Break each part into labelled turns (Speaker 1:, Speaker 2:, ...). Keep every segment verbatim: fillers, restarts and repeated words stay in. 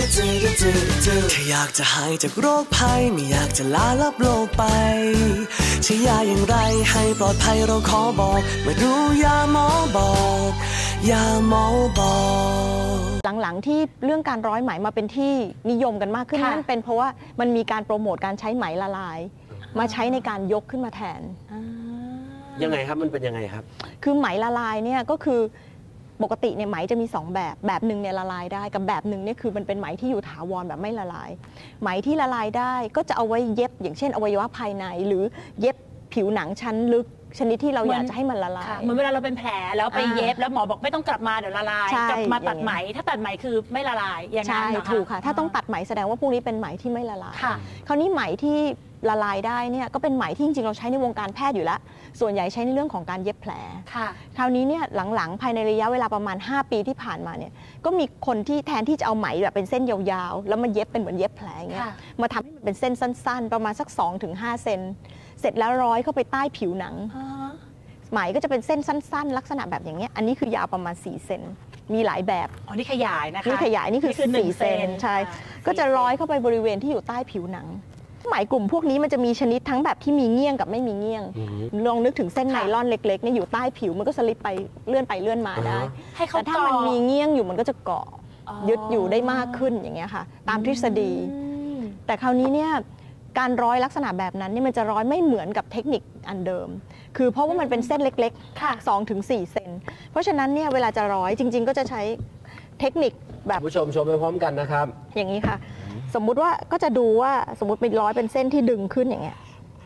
Speaker 1: แค่อยากจะหายจากโรคภัยไม่อยากจะลาลับโลกไปใช้ยาอย่างไรให้ปลอดภัยเราขอบอกมาดูยาหมอบอกยาหมอบอก
Speaker 2: หลังๆที่เรื่องการร้อยไหมมาเป็นที่นิยมกันมากขึ้นนั่นเป็นเพราะว่ามันมีการโปรโมทการใช้ไหมละลายมาใช้ในการยกขึ้นมาแทน
Speaker 3: ยังไงครับมันเป็นยังไงครับ
Speaker 2: คือไหมละลายเนี่ยก็คือปกติเนี่ยไหมจะมีสองแบบแบบหนึ่งเนี่ยละลายได้กับแบบหนึ่งเนี่ยคือมันเป็นไหมที่อยู่ถาวรแบบไม่ละลายไหมที่ละลายได้ก็จะเอาไว้เย็บอย่างเช่นอวัยวะภายในหรือเย็บผิวหนังชั้นลึกชนิดที่เราอยากจะให้มันละลาย
Speaker 4: เหมือนเวลาเราเป็นแผลแล้วไปเย็บแล้วหมอบอกไม่ต้องกลับมาเดี๋ยวละลายกลับมาตัดไหมถ้าตัดไหมคือไม่ละลายอย่างนั้นเหรอคะ
Speaker 2: ถูกค่ะถ้าต้องตัดไหมแสดงว่าพวกนี้เป็นไหมที่ไม่ละลายคราวนี้ไหมที่ละลายได้เนี่ยก็เป็นไหมที่จริงๆเราใช้ในวงการแพทย์อยู่แล้วส่วนใหญ่ใช้ในเรื่องของการเย็บแผลคราวนี้เนี่ยหลังๆภายในระยะเวลาประมาณห้าปีที่ผ่านมาเนี่ยก็มีคนที่แทนที่จะเอาไหมแบบเป็นเส้นยาวๆแล้วมาเย็บเป็นเหมือนเย็บแผลเงี้ยมาทำให้มันเป็นเส้นสั้นๆประมาณสัก สองถึงห้า เซนเสร็จแล้วร้อยเข้าไปใต้ผิวหนังไหมก็จะเป็นเส้นสั้นๆลักษณะแบบอย่างเงี้ยอันนี้คือยาวประมาณสี่เซนมีหลายแบบ
Speaker 4: อ๋อนี่ขยายนะคะ
Speaker 2: นี่ขยายนี่คือสี่เซนใช่ก็จะร้อยเข้าไปบริเวณที่อยู่ใต้ผิวหนังไหมกลุ่มพวกนี้มันจะมีชนิดทั้งแบบที่มีเงี้ยงกับไม่มีเงี้ยงลองนึกถึงเส้นไนลอนเล็กๆเนี่ยอยู่ใต้ผิวมันก็สลิปไปเลื่อนไปเลื่อนมาได้แต่ถ้ามันมีเงี้ยงอยู่มันก็จะเกาะยึดอยู่ได้มากขึ้นอย่างเงี้ยค่ะตามทฤษฎีแต่คราวนี้เนี่ยการร้อยลักษณะแบบนั้นนี่มันจะร้อยไม่เหมือนกับเทคนิคอันเดิมคือเพราะว่ามันเป็นเส้นเล็กๆ สองถึงสี่ เซนเพราะฉะนั้นเนี่ยเวลาจะร้อยจริงๆก็จะใช้เทคนิคแบบ
Speaker 3: ผู้ชมชมไปพร้อมกันนะครับ
Speaker 2: อย่างนี้ค่ะสมมุติว่าก็จะดูว่าสมมติเป็นร้อยเป็นเส้นที่ดึงขึ้นอย่างเงี้ย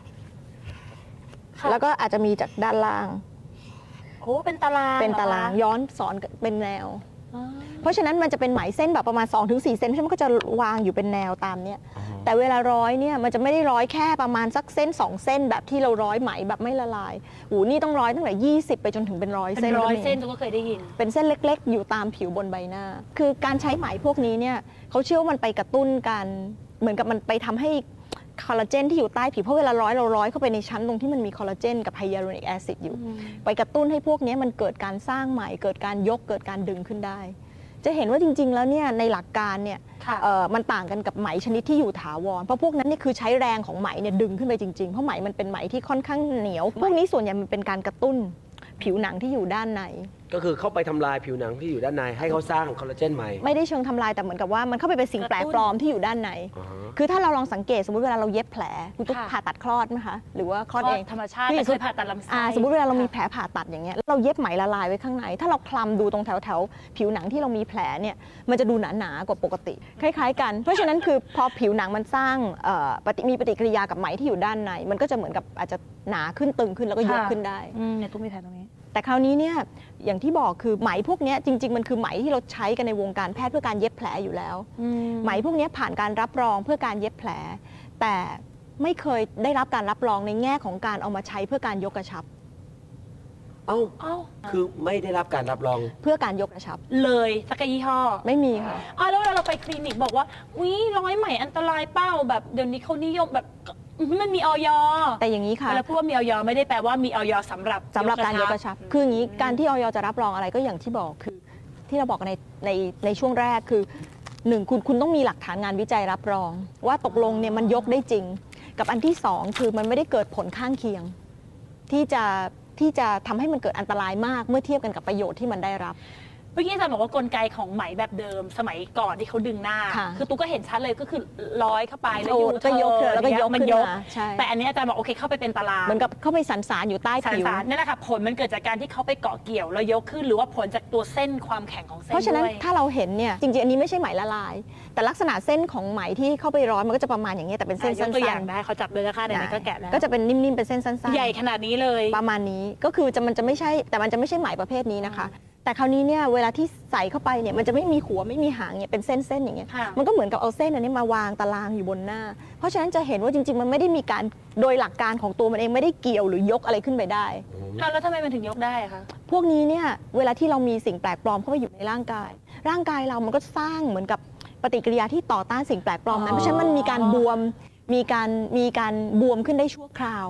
Speaker 2: แล้วก็อาจจะมีจากด้านล่าง
Speaker 4: โอ้เป็นตาราง
Speaker 2: เป็นตารางย้อนสอนเป็นแนวเพราะฉะนั้นมันจะเป็นไหมเส้นแบบประมาณ สองถึงสี่ เซนใช่ไหมมันก็จะวางอยู่เป็นแนวตามเนี้ยแต่เวลาร้อยเนี่ยมันจะไม่ได้ร้อยแค่ประมาณสักเส้นสองเส้นแบบที่เราร้อยไหมแบบไม่ละลายโอ้นี่ต้องร้อยตั้งแต่ยี่สิบไปจนถึงเป็นร้อยเส้น
Speaker 4: ร้อยเส้นทุกคนเคยได้ยิน
Speaker 2: เป็นเส้นเล็กๆอยู่ตามผิวบนใบหน้าคือการใช้ไหมพวกนี้เนี่ยเขาเชื่อว่ามันไปกระตุ้นการเหมือนกับมันไปทำให้คอลลาเจนที่อยู่ใต้ผิวเพราะเวลาร้อยเราร้อยเข้าไปในชั้นตรงที่มันมีคอลลาเจนกับไฮยาลูรอนิกแอซิดอยู่ไปกระตุ้นให้พวกนี้มันเกิดการสร้างไหมเกิดการยกเกิดการดึงขึ้นได้จะเห็นว่าจริงๆแล้วเนี่ยในหลักการเนี่ยมันต่างกันกับไหมชนิดที่อยู่ถาวรเพราะพวกนั้นเนี่ยคือใช้แรงของไหมเนี่ยดึงขึ้นไปจริงๆเพราะไหมมันเป็นไหมที่ค่อนข้างเหนียวพวกนี้ส่วนใหญ่มันเป็นการกระตุ้นผิวหนังที่อยู่ด้านใน
Speaker 3: ก็คือเข้าไปทำลายผิวหนังที่อยู่ด้านในให้เขาสร้างคอลลาเจนใหม่
Speaker 2: ไม่ได้เชิงทำลายแต่เหมือนกับว่ามันเข้าไปเป็นสิ่งแปลกปลอมที่อยู่ด้านในคือถ้าเราลองสังเกตสมมติเวลาเราเย็บแผลคุณตุ๊กผ่าตัดคลอดไหมคะหรือว่าคลอดเอง
Speaker 4: ธรรมชาติเคยผ่าตัดลำไส้
Speaker 2: สมมติเวลาเรามีแผลผ่าตัดอย่างเงี้ยเราเย็บไหมละลายไว้ข้างในถ้าเราคลำดูตรงแถวแถวผิวหนังที่เรามีแผลเนี่ยมันจะดูหนาหนากว่าปกติคล้ายๆกันเพราะฉะนั้นคือพอผิวหนังมันสร้างมีปฏิกิริยากับไหมที่อยู่ด้านในมันก็จะเหมือนกับอาจจะหนาขึ้นตึงขึ้นแล้วก็ยกขึ้นได้
Speaker 4: เนี่ยตุ๊กมีแผลตรงนี้
Speaker 2: แต่คราวนี้เนี่ยอย่างที่บอกคือไหมพวกนี้จริงๆมันคือไหมที่เราใช้กันในวงการแพทย์เพื่อการเย็บแผลอยู่แล้วไหมพวกนี้ผ่านการรับรองเพื่อการเย็บแผลแต่ไม่เคยได้รับการรับรองในแง่ของการเอามาใช้เพื่อการยกกระชับ
Speaker 3: เอ้าเอ้าคือไม่ได้รับการรับรอง
Speaker 2: เพื่อการยกกระชับ
Speaker 4: เลยสักยี่ห้อ
Speaker 2: ไม่มีค่ะ
Speaker 4: อ๋อแล้วเวลาเราไปคลินิกบอกว่าวิร้อยไหมอันตรายเป้าแบบเดี๋ยวนี้เขานิยมแบบมันมีออย
Speaker 2: แต่อย่างนี้ค่ะ
Speaker 4: แล้วพูดว่ามีออยไม่ได้แปลว่ามีออยสำหรับ
Speaker 2: สำหรับการยกกระชับคืออย่างนี้การที่ออยจะรับรองอะไรก็อย่างที่บอกคือที่เราบอกในในในช่วงแรกคือหนึ่งคุณคุณต้องมีหลักฐานงานวิจัยรับรองว่าตกลงเนี่ยมันยกได้จริงกับอันที่สองคือมันไม่ได้เกิดผลข้างเคียงที่จะที่จะทำให้มันเกิดอันตรายมากเมื่อเทียบกันกับประโยชน์ที่มันได้รับ
Speaker 4: เมื่อกี้อาจารย์บอกว่ากลไกของไหมแบบเดิมสมัยก่อนที่เขาดึงหน้าคือตุ๊กก็เห็นชัดเลยก็คือร้อยเข้าไปแล้วยู
Speaker 2: ก็ยกแล้วก็ยก
Speaker 4: มันยกแต่อันนี้อาจารย์บอกโอเคเข้าไปเป็นตาราง
Speaker 2: เหมือนกับเข้าไปสันสานอยู่ใต้ผิว
Speaker 4: นั่นแหละค่ะผลมันเกิดจากการที่เขาไปเกาะเกี่ยวแล้วยกขึ้นหรือว่าผลจากตัวเส้นความแข็งของเส้น
Speaker 2: เพราะฉะนั้นถ้าเราเห็นเนี่ยจริงๆอันนี้ไม่ใช่ไหมละลายแต่ลักษณะเส้นของไหมที่เข้าไปร้อยมันก็จะประมาณอย่างนี้แต่เป็นเส้นสั้นๆ
Speaker 4: ตัวอย่างได้เขาจับเลยนะคะเดี๋ยวนี้ก็แกะแล้ว
Speaker 2: ก็จะเป็นนิ่มๆเป็นเส้นสั้นๆ
Speaker 4: ใหญ่ขนาดนี้เลย
Speaker 2: ประมาณนี้ก็คือจะมันจะไม่ใช่แต่มันจะไม่ใช่ไหมประเภทนี้นะคะแต่คราวนี้เนี่ยเวลาที่ใส่เข้าไปเนี่ยมันจะไม่มีหัวไม่มีหางเนี่ยเป็นเส้นๆอย่างเงี้ยมันก็เหมือนกับเอาเส้นอันนี้มาวางตารางอยู่บนหน้าเพราะฉะนั้นจะเห็นว่าจริงๆมันไม่ได้มีการโดยหลักการของตัวมันเองไม่ได้เกี่ยวหรือยกอะไรขึ้นไปได้
Speaker 4: แล้วทำไมมันถึงยกได้คะ
Speaker 2: พวกนี้เนี่ยเวลาที่เรามีสิ่งแปลกปลอมเข้าไปอยู่ในร่างกายร่างกายเรามันก็สร้างเหมือนกับปฏิกิริยาที่ต่อต้านสิ่งแปลกปลอมนั้นเพราะฉะนั้นมันมีการบวมมีการมีการบวมขึ้นได้ชั่วคราว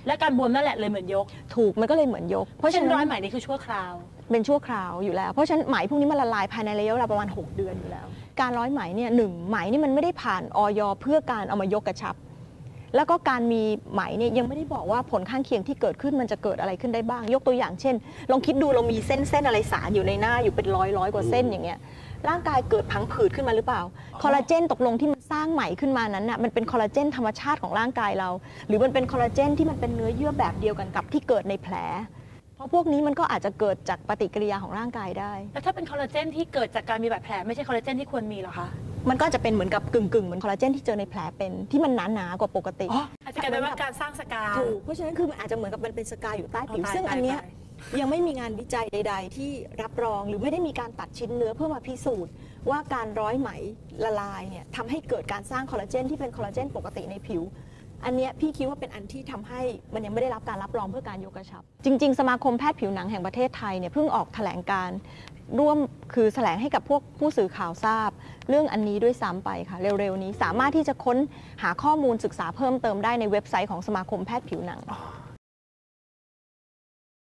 Speaker 4: และการบวมนั่นแหละเลยเหมือนยก
Speaker 2: ถูกมันก็เลยเหมือนยก
Speaker 4: เพราะฉะนั้นร้อยไหมนี่คือชั่วคราว
Speaker 2: เป็นชั่วคราวอยู่แล้วเพราะฉะนั้นไหมพวกนี้มันละลายภายในระยะเวลาประมาณหกเดือนอยู่แล้วการร้อยไหมเนี่ยหนึ่งไหมนี่มันไม่ได้ผ่านอย.เพื่อการเอามายกกระชับแล้วก็การมีไหมเนี่ยยังไม่ได้บอกว่าผลข้างเคียงที่เกิดขึ้นมันจะเกิดอะไรขึ้นได้บ้างยกตัวอย่างเช่นลองคิดดูเรามีเส้นเส้นอะไรสารอยู่ในหน้าอยู่เป็นร้อยร้อยกว่าเส้นอย่างเงี้ยร่างกายเกิดพังผืดขึ้นมาหรือเปล่าคอลลาเจนตกลงที่มันสร้างไหมขึ้นมานั้นน่ะมันเป็นคอลลาเจนธรรมชาติของร่างกายเราหรือมันเป็นคอลลาเจนที่มันเป็นเนื้อเยื่อแบบเดียวกันกับที่เกิดในแผลเพราะพวกนี้มันก็อาจจะเกิดจากปฏิกิริยาของร่างกายได้
Speaker 4: แล้วถ้าเป็นคอลลาเจนที่เกิดจากการมีบาดแผลไม่ใช่คอลลาเจนที่ควรมีหรอคะ
Speaker 2: มันก็จะเป็นเหมือนกับกึ่งกึ่งเหมือนคอลลาเจนที่เจอในแผลเป็นที่มันหนาหนากว่าปกติ
Speaker 4: อาจจะกลายเป็นว่าการสร้างสกา
Speaker 2: ถูกเพราะฉะนั้นคือมันอาจจะเหมือนกับมันเป็นสกาอยู่ใต้ผิวซึ่งอันเนี้ยยังไม่มีงานวิจัยใดๆที่รับรองหรือไม่ได้มีการตัดชิ้นเนื้อเพื่อมาพิสูจน์ว่าการร้อยไหมละลายเนี่ยทำให้เกิดการสร้างคอลลาเจนที่เป็นคอลลาเจนปกติในผิวอันนี้พี่คิดว่าเป็นอันที่ทำให้มันยังไม่ได้รับการรับรองเพื่อการยกกระชับจริงๆสมาคมแพทย์ผิวหนังแห่งประเทศไทยเนี่ยเพิ่งออกแถลงการร่วมคือแถลงให้กับพวกผู้สื่อข่าวทราบเรื่องอันนี้ด้วยซ้ำไปค่ะเร็วๆนี้สามารถที่จะค้นหาข้อมูลศึกษาเพิ่มเติมได้ในเว็บไซต์ของสมาคมแพทย์ผิวหนัง